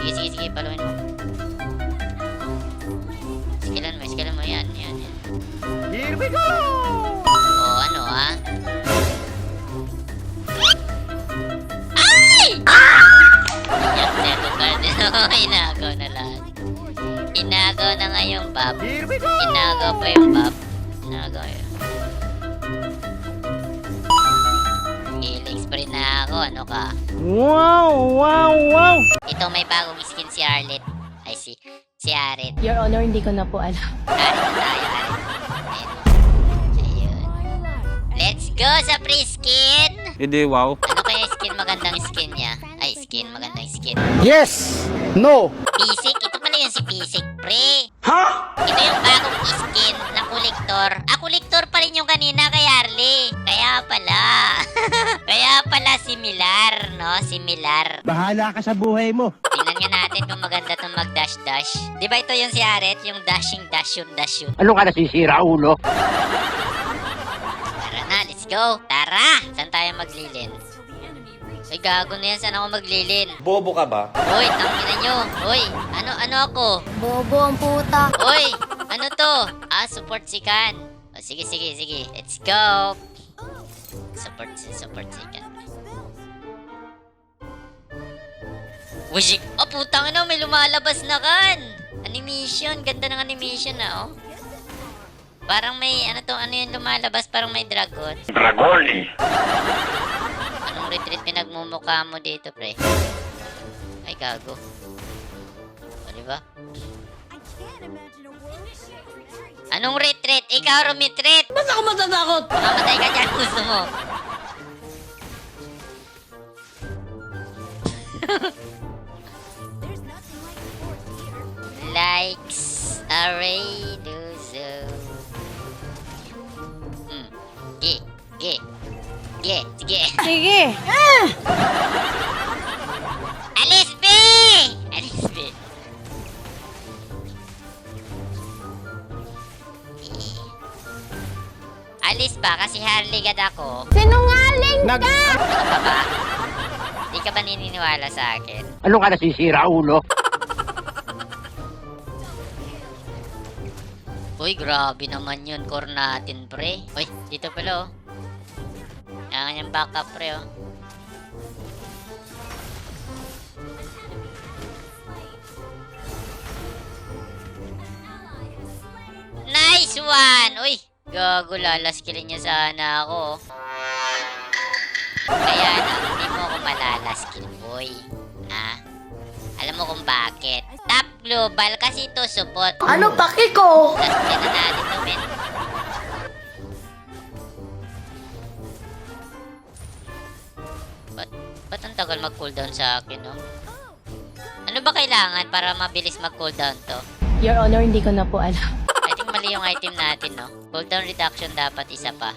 Sige, sige, sige. Paluin mo. Skillan mo. Yan. Here we go! Oh, ano ah? Ay! Yung Zeto card. Inagaw na lahat. Inagaw na nga yung Bob. Here we go! Inagaw pa yung Bob. Inagaw yun. Healing spray na ako. Ano ka? Wow! Ito may bagong skin si Arlet. Ay, si Aret. Your Honor, hindi ko na po alam. Aret na tayo, Aret. Ayun. Let's go sa free skin! Hindi, wow. Ano kaya skin? Magandang skin niya. Ay, skin. Magandang skin. Yes! No! Pisik? Ito pala yun si Pisik, pre. Ha? Ito yung bagong skin na kolektor. Kolektor pa rin yung kanina kay Harley. Kaya pala. Kaya pala similar, no? Similar. Bahala ka sa buhay mo. Tingnan nga natin kung maganda itong mag-dash-dash. Di ba ito yung si Aret? Yung dash yun. Ano ka nasisira, ulo? Tara na, let's go. Tara! Saan tayo maglilin? Ay, gago na yan. Saan ako maglilin? Bobo ka ba? Uy, tangina nyo. Uy, ano ako? Bobo ang puta. Uy, ano to? Support si Kan. O, sige. Let's go. Support si Kan. Wajik! Oh, putang ina, may lumalabas na Kan. Animation. Ganda ng animation na, oh. Parang may, ano yung lumalabas? Parang may dragon. Dragon eh. Anong retreat pinagmumukha mo dito, pre? Ay, gago. O, diba? Anong retreat? Ikaw rumitreat! Ba't ako matatakot? Mamamatay ka dyan, gusto mo. Likes array do so. Sige. Sige. Alis, B! Alis ba? Kasi Harley gad ako. Sinungaling ka! Ano ka ba? Di ka ba nininiwala sa akin? Ano ka nasisira, ulo? Uy, grabe naman yun. Core natin, pre. Uy, dito pala, oh. Yan yung backup, pre, oh. Nice one! Uy, gago, lalaskilin niya sana ako, oh. Kaya lang, hindi mo ako malalaskill, boy. Ha? Alam mo kung bakit? Top global kasi ito support. Ano paki ko? Last na natin to, men. Ba't ang tagal mag-cooldown sa akin, no? Ano ba kailangan para mabilis mag-cooldown to? Your Honor, hindi ko na po alam. I think mali yung item natin, no? Cooldown reduction dapat isa pa.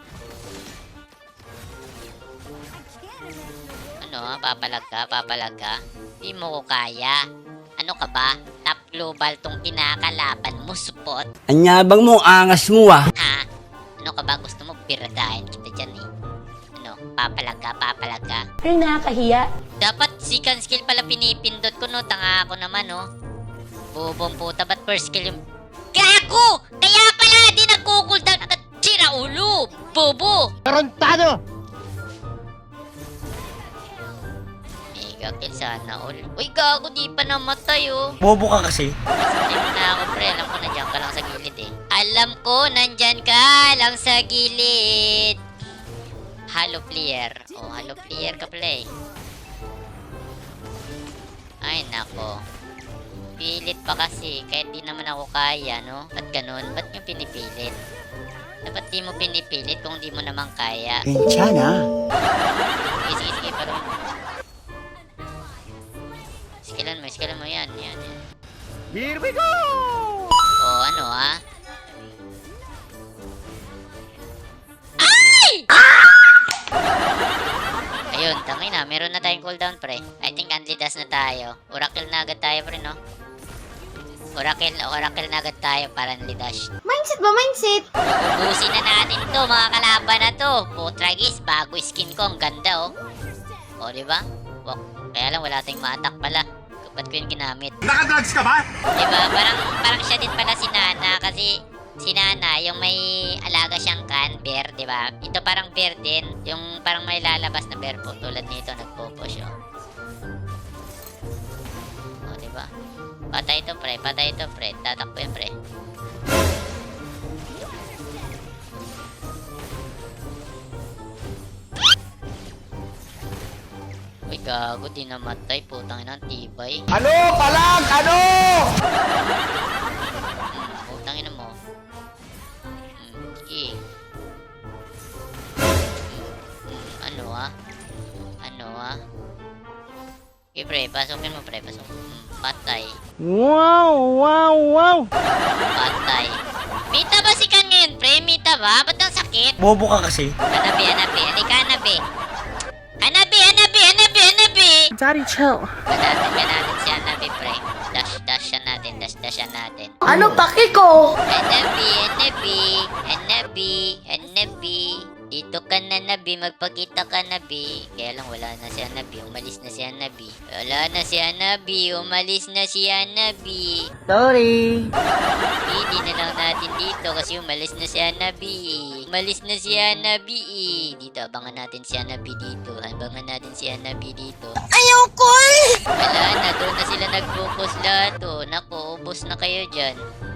Ano, ha? Papalag ka? Di mo ko kaya. Ano ka ba? Top global tong kinakalaban mo, support. Anyabang mo, angas mo ah. Ha? Ano ka ba? Gusto mo piradahin kita dyan, eh. Ano? Papalag ka? Ay, nakakahiya. Dapat second skill pala pinipindot ko, no? Tanga ako naman, no? Bobong puta, ba't first skill yung... Gago! Kaya pala, di nagkukuldown agad. Sira ulo! Bobo! Tarantado! Mega kill sana all. Uy, gago, di pa namatay, oh. Bobo ka kasi. Hindi mo na ako, pre. Alam ko, nandiyan ka lang sa gilid, eh. Alam ko, nandyan ka lang sa gilid. Halo player. Oh, halo player ka pala, eh. Ay, nako. Pilit pa kasi. Kahit di naman ako kaya, no? Ba't ganun? Ba't nyo pinipilit? Dapat di mo pinipilit kung di mo naman kaya. Sana. Sige. Pero... Skillan mo. Yan. Here we go! Oh, ano, ah? Ay! Ayun, tangin na. Meron na tayong cooldown, pre. I think unlidas na tayo. Oracle na agad tayo, pre, no? Oracle na agad tayo para unlidash. Mindset ba? Mindset? Ubusin na natin to, mga kalaban na to. Putragis, bago skin ko. Ang ganda, oh. O, diba? Kaya lang, wala tayong ma-attack pala. ba't ko yung ginamit? Nakadrugs ka ba? Diba? Parang siya din pala si Nana kasi si Nana, yung may alaga siyang bear, diba? Ito parang bear din. Yung parang may lalabas na bear po. Tulad nito, nagpo-push, oh. Oh, diba? Patay ito, pre. Patay ito, pre. Tatakbo yan, pre. Uy, gago. Di namatay. Putang ina, ang tibay. Ano? Palag! Ano? Putang ina mo. Sige. Ano ah? Ano ah? Okay, pre. Pasukin mo, pre. Pasok. Patay. Wow, wow, wow. Patay. Mita ba si Kan ngayon, pre? Mita ba? Ba't ang sakit? Bobo ka kasi. Hanabi, hanabi. Halika, hanabi. Hanabi, hanabi, hanabi, hanabi. Daddy, chill. Ganatin si hanabi, pre. Dash siya natin. Dash siya natin. Ano paki ko? Hanabi, hanabi. Hanabi, hanabi. Dito ka na, Nabi. Magpakita ka, Nabi. Kaya lang, wala na si Hanabi. Umalis na si Hanabi. Wala na si Hanabi. Umalis na si Hanabi. Sorry. Hindi na lang natin dito kasi umalis na si Hanabi. Umalis na si Hanabi. Dito, abangan natin si Hanabi dito. Abangan natin si Hanabi dito. Ayaw ko Wala na, doon na sila nag-focus lahat. Oh. Naku, ubos na kayo dyan.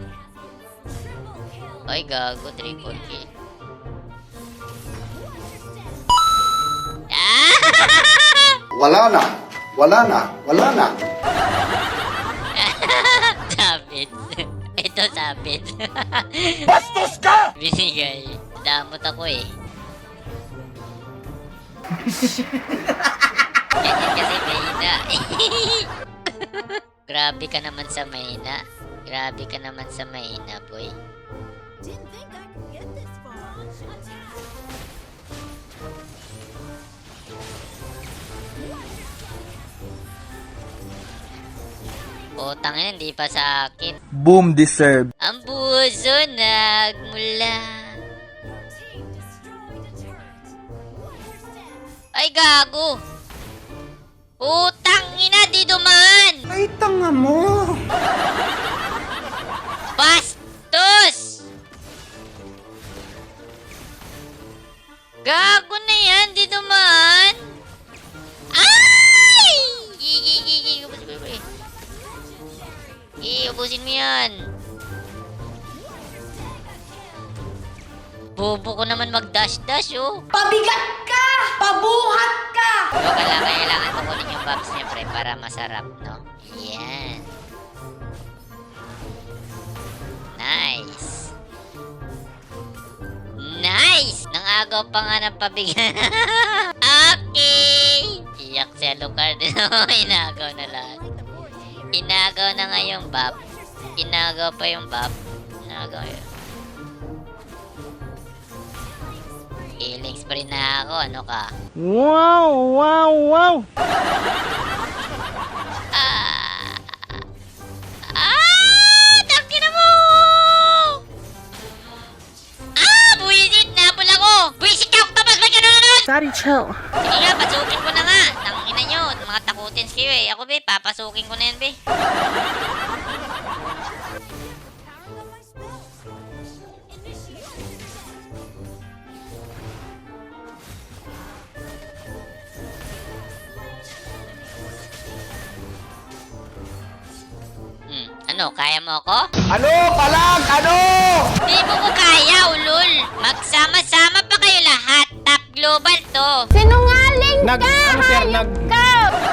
Ay, gago. Triple kill. Ah! Wala na. Wala na. Wala na. Sabit. Ito sabit. Bastos ka! Binigay. Damot ako eh. Ganyan kasi mahina. Grabe ka naman sa mahina. Grabe ka naman sa mahina, boy. Utang yan, hindi pa sakit. Boom deserve. Ang puso nagmula. Ay, gago. Utang ina, di dumaan. Ay, tanga mo. Bastos! Gago na yan, di dumaan. Ay! Gigi. Ubusin mo yan. Bobo ko naman mag-dash-dash, oh. Pabigat ka! Pabuhat ka! Kailangan tukunin yung box niya, pre, para masarap, no? Yan. Nice. Nice! Nangagaw pa nga ng pabigat. Okay! Iyak si Alucard. Inagaw na lahat. Inagaw na nga yung bab. Inagaw pa yung bab. Inagaw yun. Healing spree na ako. Ano ka? Wow, wow, wow. Tangina mo! Buwisit! Nabol ako! Buwisit ka! Octopus! Ba't gano'n naman? Daddy, chill. Sige nga, pasukin ko na nga. Tangina nyo. Mga takutins kayo eh. Ako be, papasukin ko na yan be. Ano, kaya mo ako? Ano? Palag! Ano? Di mo ko kaya, ulol. Magsama-sama pa kayo lahat. Top global to. Sinungaling Ano sir, ka!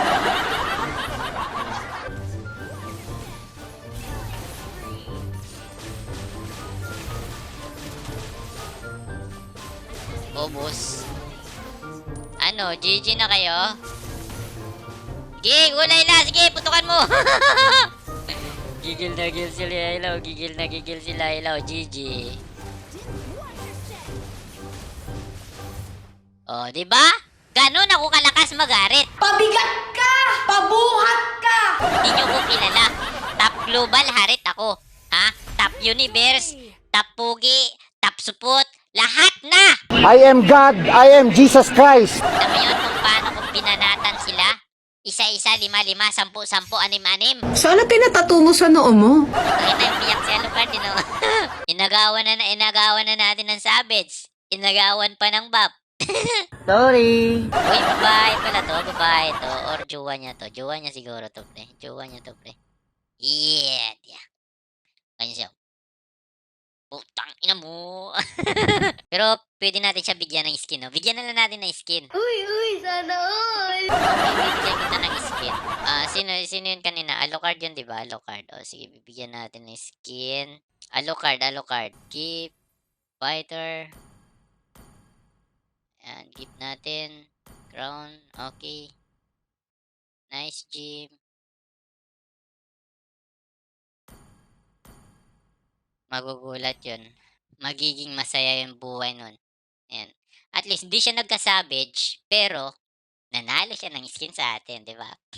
Ubus. Ano, GG na kayo? Sige, gulay na. Sige, putukan mo. Gigil na gigil sila ilaw. Gigil na gigil sila ilaw. GG. Oh, di ba? Ganon ako kalakas magarit. Pabigat ka! Pabuhat ka! Hindi nyo ko kilala. Top global harit ako. Ha? Top universe. Top pugi. Top support. Lahat na! I am God. I am Jesus Christ. Alam mo yun kung paano ko binanatan sila? Isa-isa, 5-5, 10-10, 6-6. Sana pinatato mo sa noo mo. Ay na, biyak si Alucard, you know? inagawan na natin ng Savage. Inagawan pa ng Bap. Sorry. Uy, babae pala to, babae to. Or jowa niya to. Jowa niya siguro to, pre. Jowa niya to, pre. Yeah. Ganyan siya. Putang ina mo. Pero pwede natin siya bigyan ng skin, no? Bigyan na lang natin ng skin. Uy, sana all. Bibigyan kita ng skin. Sino yun kanina? Alucard yun, di ba? Alucard. O, sige, bibigyan natin ng skin. Alucard. Keep. Fighter. Ayan, keep natin. Crown. Okay. Nice gym. Magugulat yun. Magiging masaya yung buhay nun. Ayan. At least, hindi siya nagka-savage, pero nanalo siya ng skin sa atin, di ba?